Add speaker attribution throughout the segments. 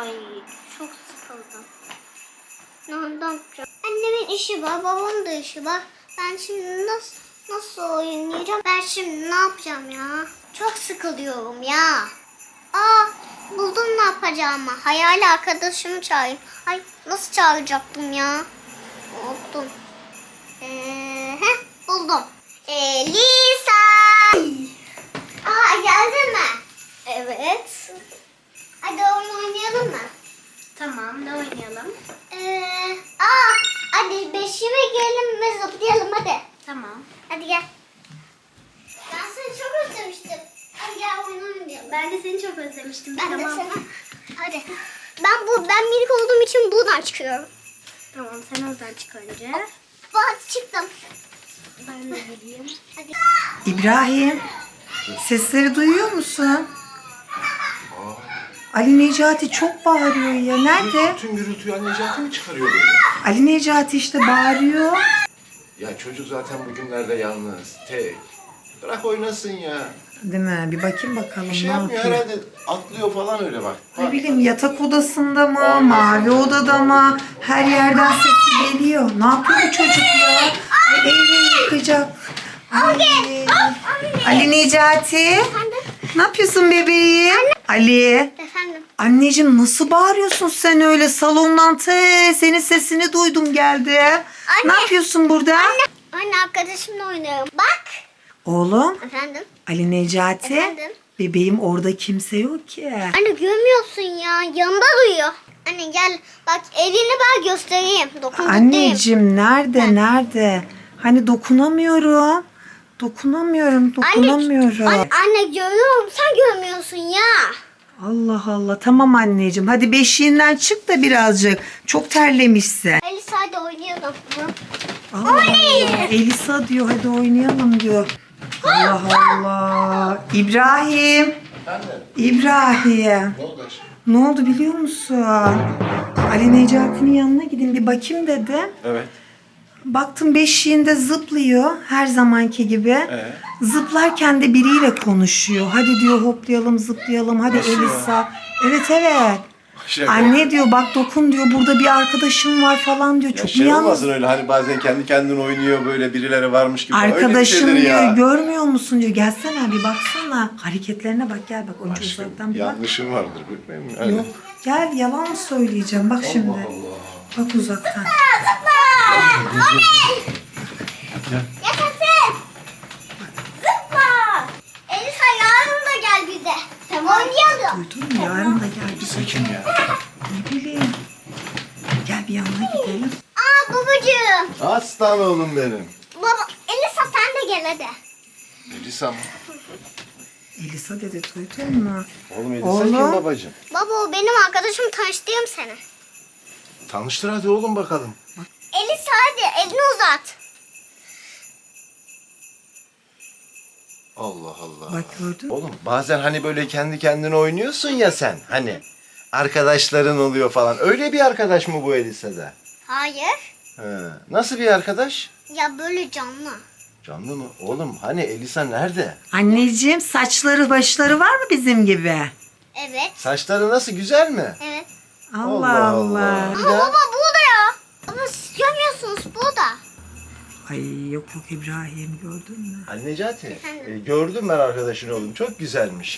Speaker 1: Ay çok sıkıldım. Ne yapacağım? Annemin işi var, babamın da işi var. Ben şimdi nasıl oynayacağım? Ben şimdi ne yapacağım ya? Çok sıkılıyorum ya. Aa, buldum ne yapacağımı. Hayali arkadaşımı çağırayım. Ay nasıl çağıracaktım ya? Unuttum. Buldum. Elisa. Aa geldin mi? Evet. Hadi oyun oynayalım mı? Tamam, ne oynayalım? Hadi beşime gelin ve zıplayalım hadi. Tamam. Hadi gel. Ben seni çok özlemiştim. Hadi gel oyun oynayalım. Ben de seni çok özlemiştim. Ben de seni. Hadi. Ben minik olduğum için buradan çıkıyorum. Tamam, sen oradan çık önce. Hadi çıktım. Ben de geleyim. Hadi.
Speaker 2: İbrahim, sesleri duyuyor musun? Ali Necati çok bağırıyor ya. Nerede?
Speaker 3: Bütün gürültüyü Ali Necati mi çıkarıyor böyle?
Speaker 2: Ali Necati işte bağırıyor.
Speaker 3: Ya çocuk zaten bugünlerde yalnız, tek. Bırak oynasın ya.
Speaker 2: Değil mi? Bir bakayım bakalım
Speaker 3: Bir şey
Speaker 2: ne
Speaker 3: yapmıyor
Speaker 2: yapıyor.
Speaker 3: herhalde. Atlıyor falan öyle bak.
Speaker 2: Ne bileyim yatak odasında mı, mavi odada mı? Her yerden sesi geliyor. Ne yapıyor bu çocuk ya? Ay, evi yıkacak. Ay. Ali Necati. Ne yapıyorsun bebeğim? Ali.
Speaker 1: Efendim.
Speaker 2: Anneciğim nasıl bağırıyorsun sen öyle salondan senin sesini duydum geldi. Ne yapıyorsun burada?
Speaker 1: Anne arkadaşımla oynuyorum. Bak.
Speaker 2: Oğlum
Speaker 1: Efendim.
Speaker 2: Ali Necati.
Speaker 1: Efendim?
Speaker 2: Bebeğim orada kimse yok ki.
Speaker 1: Anne görmüyorsun ya. Yanında duyuyor. Anne gel bak elini ben göstereyim. Dokundurayım.
Speaker 2: Anneciğim nerede? Hani dokunamıyorum. Dokunamıyorum.
Speaker 1: Anne görüyorum. Sen görmüyorsun ya.
Speaker 2: Allah Allah. Tamam anneciğim. Hadi beşiğinden çık da birazcık. Çok terlemişsin.
Speaker 1: Elisa hadi oynayalım.
Speaker 2: Allah Allah. Elisa diyor hadi oynayalım diyor. Allah Allah. İbrahim. İbrahim.
Speaker 3: Ne oldu aşkım?
Speaker 2: Ne oldu biliyor musun? Ali Necati'nin yanına gidin bir bakayım dedim.
Speaker 3: Evet.
Speaker 2: Baktım beşiğinde zıplıyor her zamanki gibi. Zıplarken de biriyle konuşuyor. Hadi diyor hoplayalım zıplayalım hadi
Speaker 3: Nasıl ya?
Speaker 2: Elisa. Evet.
Speaker 3: Şaka.
Speaker 2: Anne diyor bak dokun diyor burada bir arkadaşım var falan diyor.
Speaker 3: Ya
Speaker 2: Çok
Speaker 3: şey
Speaker 2: mu yalnız?
Speaker 3: olmasın öyle hani bazen kendi kendine oynuyor böyle birileri varmış gibi. Öyle bir
Speaker 2: Arkadaşım
Speaker 3: şeydir
Speaker 2: diyor
Speaker 3: ya.
Speaker 2: görmüyor musun diyor. Gelsene bir baksana. Hareketlerine bak gel bak önce
Speaker 3: Aşkım,
Speaker 2: uzaktan bir bak.
Speaker 3: yanlışım vardır bilmem mi?
Speaker 2: Yok gel yalan mı söyleyeceğim bak şimdi.
Speaker 3: Allah.
Speaker 2: Bak uzaktan.
Speaker 1: Yaşasın. Zıpla. Elisa yarın da gel bize. Tamam. Oynayalım.
Speaker 2: Duydun mu yarın da gel bize.
Speaker 3: Elisa kim ya?
Speaker 2: Ne bileyim. Gel bir yanına gidelim.
Speaker 1: Aa babacığım.
Speaker 3: Aslan oğlum benim.
Speaker 1: Baba Elisa sen de gel hadi.
Speaker 3: Elisa mı?
Speaker 2: Elisa dedi duydun mu?
Speaker 3: Oğlum Elisa
Speaker 2: Oğlum.
Speaker 3: kim babacığım?
Speaker 1: Baba o benim arkadaşım tanıştığım seni.
Speaker 3: Tanıştır hadi oğlum bakalım.
Speaker 1: Elisa hadi elini uzat.
Speaker 3: Allah Allah.
Speaker 2: Bak gördün mü?
Speaker 3: Oğlum bazen hani böyle kendi kendine oynuyorsun ya sen hani. Arkadaşların oluyor falan. Öyle bir arkadaş mı bu Elisa'da?
Speaker 1: Hayır.
Speaker 3: He. Nasıl bir arkadaş?
Speaker 1: Ya böyle canlı.
Speaker 3: Canlı mı? Oğlum hani Elisa nerede?
Speaker 2: Anneciğim saçları başları var mı bizim gibi?
Speaker 1: Evet.
Speaker 3: Saçları nasıl güzel mi?
Speaker 1: Evet.
Speaker 2: Allah Allah.
Speaker 3: Allah.
Speaker 1: Ama baba burada ya. Ama siz görmüyorsunuz burada.
Speaker 2: Ay yok İbrahim gördün mü?
Speaker 3: Ali Necati,
Speaker 1: Efendim?
Speaker 3: gördüm ben arkadaşın oğlum. Çok güzelmiş.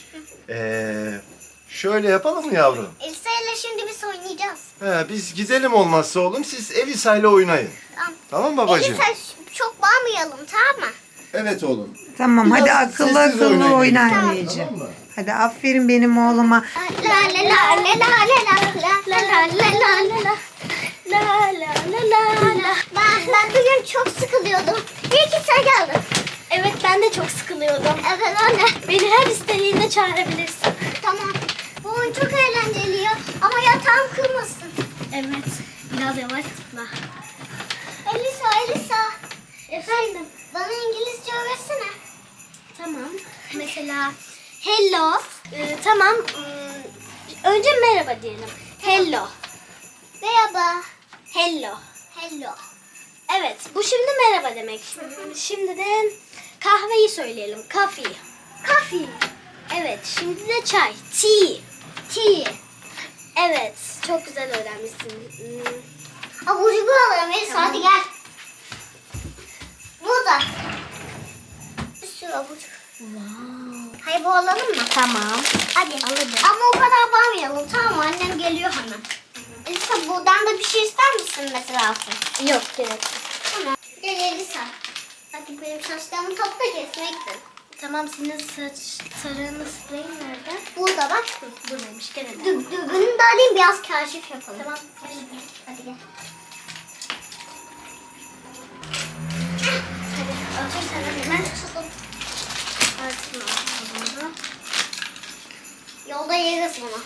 Speaker 3: Şöyle yapalım mı yavrum?
Speaker 1: Elisa ile şimdi biz oynayacağız.
Speaker 3: Biz gidelim olmazsa oğlum. Siz Elisa ile oynayın.
Speaker 1: Tamam.
Speaker 3: Tamam babacığım?
Speaker 1: Elisa çok bağırmayalım tamam mı?
Speaker 3: Evet oğlum.
Speaker 2: Tamam hadi
Speaker 3: Biraz
Speaker 2: akıllı
Speaker 3: sessiz
Speaker 2: akıllı
Speaker 3: oynayın.
Speaker 2: oyna
Speaker 3: Tamam.
Speaker 2: anneciğim.
Speaker 3: Tamam mı?
Speaker 2: Hadi aferin benim oğluma.
Speaker 1: La la la la la la la la la la la la la. La la la la la. Ben bugün çok sıkılıyordum. İyi ki sen geldin.
Speaker 4: Evet ben de çok sıkılıyordum.
Speaker 1: Evet anne.
Speaker 4: Beni her istediğinde çağırabilirsin.
Speaker 1: Tamam. Bu oyun çok eğlenceli ya. Ama yatağım kırmasın.
Speaker 4: Evet. Biraz yavaş tıkla.
Speaker 1: Elisa. Efendim. Bana İngilizce öğretsene.
Speaker 4: Tamam. Mesela hello. Tamam. Önce merhaba diyelim. Hello.
Speaker 1: Merhaba.
Speaker 4: Hello.
Speaker 1: Hello.
Speaker 4: Evet. Bu şimdi merhaba demek. Şimdi de kahveyi söyleyelim. Coffee.
Speaker 1: Coffee.
Speaker 4: Evet. Şimdi de çay. Tea.
Speaker 1: Tea.
Speaker 4: Evet, çok güzel öğrenmişsin.
Speaker 1: Abur cubur alalım Elisa, hadi gel. Burada. Bir sürü abur cubur. Hayır, bu alalım mı?
Speaker 4: Tamam.
Speaker 1: Hadi.
Speaker 4: Alalım.
Speaker 1: Ama o kadar bağırmayalım, tamam mı? Annem geliyor hemen. Elisa, buradan da bir şey ister misin mesela?
Speaker 4: Yok, gerek yok.
Speaker 1: Tamam. Gel Elisa. Hadi benim saçlarımı topla, kesmek de.
Speaker 4: Tamam, senin saç tarağını spreyin nerede?
Speaker 1: Burada bak.
Speaker 4: Buradaymış, gel hadi.
Speaker 1: Dürbünü de alayım, biraz kaşif yapalım.
Speaker 4: Tamam.
Speaker 1: Hadi gel.
Speaker 4: Hadi, otur sen hadi.
Speaker 1: Ben tutalım.
Speaker 4: Artırma.
Speaker 1: Yolda yeriz bunu.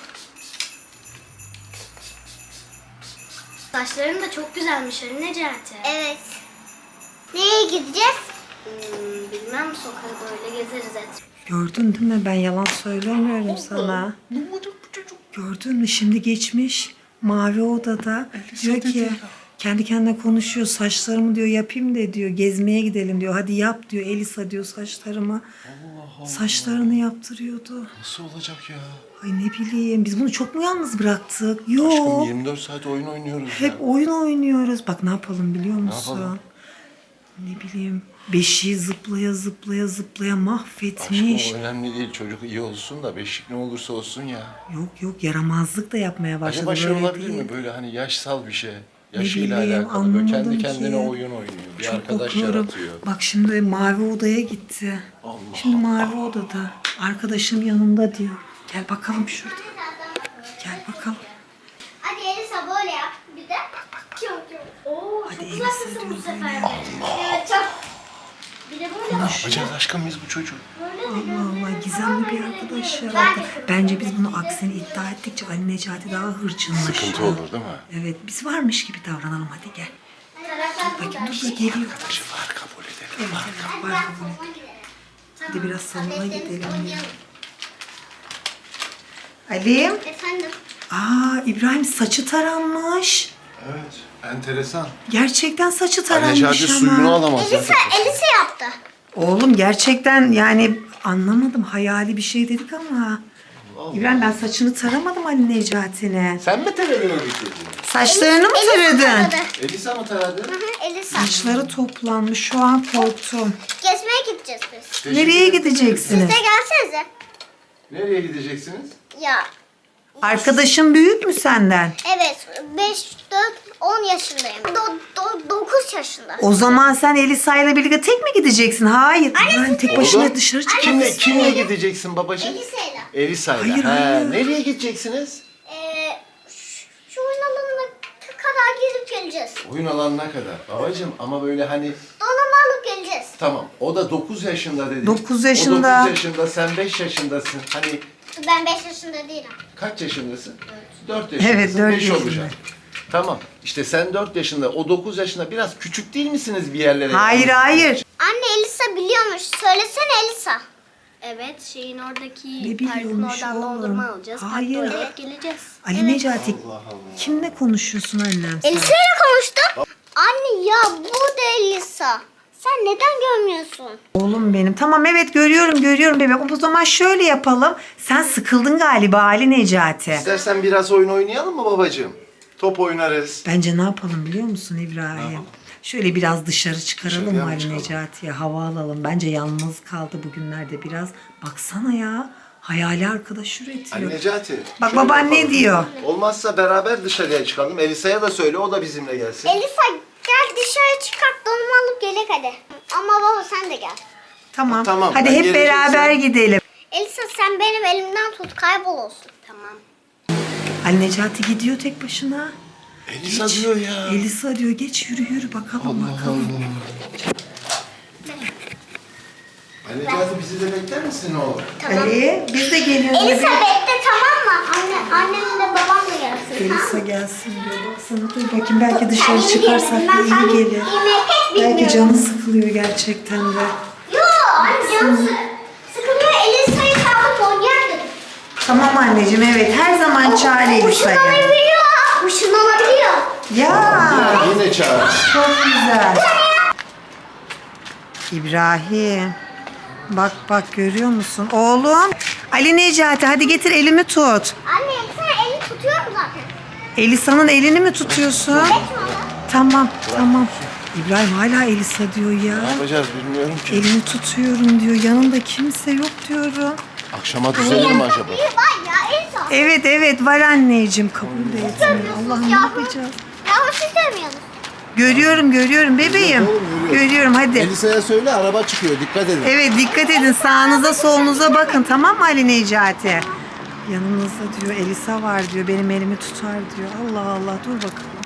Speaker 4: Saçların da çok güzelmiş Ali Necati.
Speaker 1: Evet. Nereye gideceğiz?
Speaker 4: Bilmem, sokağa böyle gezeriz et.
Speaker 2: Gördün değil mi? Ben yalan söylemiyorum sana. Gördün mü? Şimdi geçmiş. Mavi odada. Diyor ki kendi kendine konuşuyor. Saçlarımı diyor yapayım de diyor. Gezmeye gidelim diyor. Hadi yap diyor. Elisa diyor saçlarımı. Saçlarını yaptırıyordu.
Speaker 3: Nasıl olacak ya?
Speaker 2: Ay ne bileyim. Biz bunu çok mu yalnız bıraktık?
Speaker 3: Aşkım
Speaker 2: Yok.
Speaker 3: 24 saat oyun oynuyoruz
Speaker 2: Hep
Speaker 3: ya.
Speaker 2: oyun oynuyoruz. Bak ne yapalım biliyor musun?
Speaker 3: yapalım?
Speaker 2: Ne bileyim. Beşiği zıplaya zıplaya zıplaya mahvetmiş.
Speaker 3: Aşkım o önemli değil. Çocuk iyi olsun da beşik ne olursa olsun ya.
Speaker 2: Yok yaramazlık da yapmaya başladı.
Speaker 3: Acaba şey
Speaker 2: böyle
Speaker 3: olabilir
Speaker 2: değil.
Speaker 3: mi? Böyle hani yaşsal bir şey.
Speaker 2: Ne
Speaker 3: Yaşıyla
Speaker 2: bileyim,
Speaker 3: alakalı. Böyle kendi
Speaker 2: anlamadım
Speaker 3: kendine
Speaker 2: ki.
Speaker 3: oyun oynuyor. Bir
Speaker 2: Çok
Speaker 3: arkadaş
Speaker 2: korkuyorum.
Speaker 3: yaratıyor.
Speaker 2: Bak şimdi mavi odaya gitti.
Speaker 3: Allah
Speaker 2: Şimdi mavi odada. Arkadaşım yanında diyor. Gel bakalım şurada. Gel bakalım.
Speaker 1: Hadi Elisa böyle yap. Bir de.
Speaker 4: Çok. Oo,
Speaker 2: Hadi
Speaker 4: çok
Speaker 2: Elisa
Speaker 4: güzelsin
Speaker 2: diyor
Speaker 4: bu sefer.
Speaker 2: böyle.
Speaker 1: Evet, çok.
Speaker 4: Bir de böyle
Speaker 3: Ne yapacağız aşkım biz bu çocuğu?
Speaker 2: Allah Allah gizemli bir arkadaş yarattı. Bence biz bunu aksini iddia ettikçe Ali Necati daha hırçınlaşıyor.
Speaker 3: Sıkıntı olur değil mi?
Speaker 2: Evet biz varmış gibi davranalım hadi gel. Bakayım dur geliyor.
Speaker 3: Arkadaşı var kabul edelim.
Speaker 2: Evet evet var kabul et. Hadi biraz salona gidelim. Ali.
Speaker 1: Efendim.
Speaker 2: Aa İbrahim saçı taranmış.
Speaker 3: Evet. Enteresan.
Speaker 2: Gerçekten saçı
Speaker 3: Ali
Speaker 2: taranmış
Speaker 3: Necati suyunu
Speaker 2: ama.
Speaker 3: alamaz.
Speaker 1: Elisa yaptı.
Speaker 2: Oğlum gerçekten yani anlamadım hayali bir şey dedik ama. İbrahim ben saçını taramadım Ali Necati'ne.
Speaker 3: Sen mi taradın o bitirdi?
Speaker 2: Saçlarını mı
Speaker 1: Elisa
Speaker 2: taradın?
Speaker 1: taradı.
Speaker 3: Elisa mı taradı?
Speaker 1: Hı hı, Elisa.
Speaker 2: Saçları toplanmış şu an korktum.
Speaker 1: Gezmeye gideceğiz biz.
Speaker 2: Nereye
Speaker 1: Siz
Speaker 2: gideceksiniz?
Speaker 1: de gelsenize.
Speaker 3: Nereye gideceksiniz?
Speaker 1: Ya
Speaker 2: Arkadaşın büyük mü senden?
Speaker 1: evet 5, 4, 10 yaşındayım. 9 yaşında.
Speaker 2: O zaman sen Elisa ile birlikte tek mi gideceksin? Hayır. Ben tek başına
Speaker 3: Oğlum,
Speaker 2: dışarı çık.
Speaker 3: Kimle gideceksin babacığım?
Speaker 1: Elisa'yla.
Speaker 3: Elisa'yla.
Speaker 2: Hayır, hayır.
Speaker 3: Nereye gideceksiniz?
Speaker 1: Şu oyun alanına kadar gezip geleceğiz.
Speaker 3: Oyun alanına kadar. Babacığım ama böyle hani
Speaker 1: Donanma alıp geleceğiz.
Speaker 3: tamam o da 9 yaşında dedi.
Speaker 2: 9 yaşında.
Speaker 3: O 9 yaşında sen 5 yaşındasın. Hani
Speaker 1: Ben 5 yaşında değilim.
Speaker 3: kaç yaşındasın? 4 yaşındasın.
Speaker 2: Evet, 4
Speaker 3: 5
Speaker 2: yaşında.
Speaker 3: olacak. Tamam. İşte sen 4 yaşında, o 9 yaşında biraz küçük değil misiniz bir yerlere?
Speaker 2: Hayır hayır.
Speaker 1: Anne Elisa biliyormuş. Söylesene Elisa.
Speaker 4: Evet, şeyin oradaki
Speaker 2: Ne
Speaker 4: parkın
Speaker 2: biliyormuş
Speaker 4: oradan
Speaker 2: oğlum?
Speaker 4: dondurma alacağız.
Speaker 2: Hayır.
Speaker 4: Parkta oynayıp geleceğiz.
Speaker 2: Ali Necati kimle konuşuyorsun annem sen?
Speaker 1: Elisa'yla konuştum. Anne ya bu da Elisa. Sen neden görmüyorsun?
Speaker 2: Oğlum benim. Tamam evet görüyorum bebeğim. O zaman şöyle yapalım. Sen sıkıldın galiba Ali Necati.
Speaker 3: İstersen biraz oyun oynayalım mı babacığım? Top oynarız.
Speaker 2: Bence ne yapalım biliyor musun İbrahim? Şöyle biraz dışarı çıkaralım
Speaker 3: Dışarıya
Speaker 2: mı
Speaker 3: mı
Speaker 2: Ali
Speaker 3: çıkalım?
Speaker 2: Necati'ye? Hava alalım. Bence yalnız kaldı bugünlerde biraz. Baksana ya. Hayali arkadaş
Speaker 3: Ali
Speaker 2: üretiyor.
Speaker 3: Necati.
Speaker 2: Bak
Speaker 3: şöyle
Speaker 2: baban ne
Speaker 3: yapalım.
Speaker 2: diyor?
Speaker 3: Olmazsa beraber dışarıya çıkalım. Elisa'ya da söyle o da bizimle gelsin.
Speaker 1: Elisa gel dışarı çıkart donma alıp gelek hadi. Ama baba sen de gel.
Speaker 2: Tamam.
Speaker 3: Tamam,
Speaker 2: Hadi
Speaker 3: ben
Speaker 2: hep
Speaker 3: geleceksem-
Speaker 2: beraber gidelim.
Speaker 1: Elisa sen benim elimden tut kaybol olsun.
Speaker 4: Tamam.
Speaker 2: Ali Necati gidiyor tek başına.
Speaker 3: Elisa diyor ya.
Speaker 2: Elisa diyor geç yürü bakalım bakalım.
Speaker 3: Ali Necati bizi de bekler misin oğlum?
Speaker 2: Ali biz de geliyoruz.
Speaker 1: Elisa
Speaker 2: bebeğim.
Speaker 1: bekle tamam mı? Annemle babam da gelsin.
Speaker 2: Elisa gelsin diyor. Baksana dur bakayım belki dışarı çıkarsak da
Speaker 1: Ben
Speaker 2: iyi gelir.
Speaker 1: yemeği pek bilmiyorum.
Speaker 2: Belki canı sıkılıyor gerçekten de.
Speaker 1: Yok anne canım sıkılıyor. Elisa'yı kaldık oynayalım dedim.
Speaker 2: Tamam anneciğim evet her zaman çağır Elisa'yı.
Speaker 1: Işınlanabiliyor. Işınlanabiliyor.
Speaker 2: Ya
Speaker 3: Yine çağır.
Speaker 2: çok güzel. İbrahim. Bak görüyor musun? Oğlum. Ali Necati hadi getir elimi tut.
Speaker 1: Anne sen elini tutuyorum zaten.
Speaker 2: Elisa'nın elini mi tutuyorsun? Tamam tamam. İbrahim hala Elisa diyor ya.
Speaker 3: Ne yapacağız bilmiyorum ki.
Speaker 2: Elini tutuyorum diyor. Yanında kimse yok diyorum.
Speaker 3: Akşama düzelir mi acaba?
Speaker 1: Bir var ya Elsa.
Speaker 2: Evet evet var anneciğim. Kabul de etmiyor. Allah'ım ne yapacağız?
Speaker 1: Yahu siz demiyorsunuz.
Speaker 2: Görüyorum bebeğim.
Speaker 3: Oğlum, görüyoruz.
Speaker 2: Görüyorum hadi.
Speaker 3: Elisa'ya söyle araba çıkıyor dikkat edin.
Speaker 2: Evet dikkat edin sağınıza solunuza bakın tamam mı Ali Necati? Yanınızda diyor Elisa var diyor benim elimi tutar diyor. Allah Allah dur bakalım.